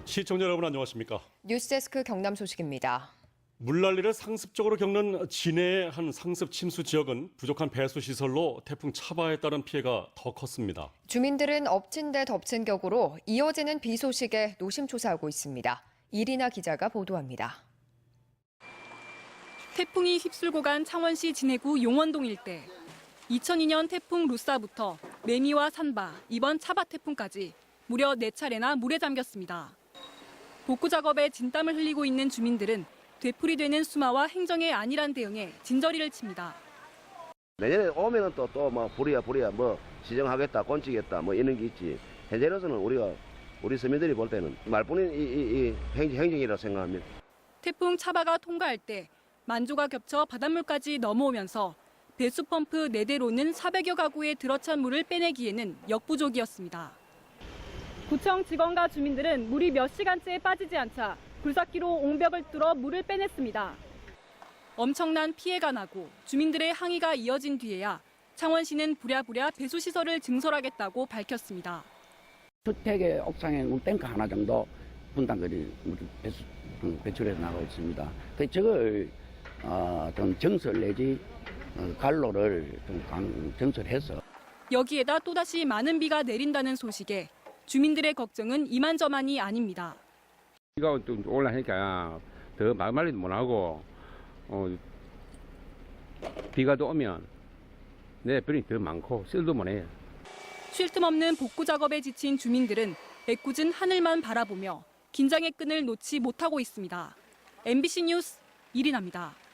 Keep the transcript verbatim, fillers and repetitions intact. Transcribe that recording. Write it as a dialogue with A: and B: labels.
A: 시청자 여러분 안녕하십니까?
B: 뉴스데스크 경남 소식입니다.
A: 물난리를 상습적으로 겪는 진해의 한 상습 침수 지역은 부족한 배수 시설로 태풍 차바에 따른 피해가 더 컸습니다.
B: 주민들은 엎친 데 덮친 격으로 이어지는 비 소식에 노심초사하고 있습니다. 이리나 기자가 보도합니다.
C: 태풍이 휩쓸고 간 창원시 진해구 용원동 일대. 이천이 년 태풍 루사부터 매미와 산바, 이번 차바 태풍까지 무려 네 차례나 물에 잠겼습니다. 복구 작업에 진땀을 흘리고 있는 주민들은 되풀이되는 수마와 행정의 안일한 대응에 진저리를 칩니다.
D: 내년에 오면은 또 또 뭐 불이야 불이야 뭐 시정하겠다 꼰치겠다 뭐 이런 게 있지. 현재로서는 우리가 우리 서민들이 볼 때는 말뿐인 이, 이, 이 행정, 행정이라고 생각합니다.
C: 태풍 차바가 통과할 때 만조가 겹쳐 바닷물까지 넘어오면서 배수 펌프 네 대로는 사백여 가구에 들어찬 물을 빼내기에는 역부족이었습니다. 구청 직원과 주민들은 물이 몇 시간째 빠지지 않자 굴삭기로 옹벽을 뚫어 물을 빼냈습니다. 엄청난 피해가 나고 주민들의 항의가 이어진 뒤에야 창원시는 부랴부랴 배수시설을 증설하겠다고 밝혔습니다.
E: 주택의 옥상에 물탱크 하나 정도 분당거리 배수, 배출해서 나가고 있습니다. 그 저걸 어, 좀 정설 내지 갈로를 좀 강, 정설해서
C: 여기에다 또다시 많은 비가 내린다는 소식에 주민들의 걱정은 이만저만이 아닙니다.
F: 비가 또 올라니까 더 막말리도 못하고 어, 비가 또 오면 내 병이 더 많고 쓸도 못해요.
C: 쉴 틈 없는 복구 작업에 지친 주민들은 애꿎은 하늘만 바라보며 긴장의 끈을 놓지 못하고 있습니다. 엠비씨 뉴스 이리나입니다.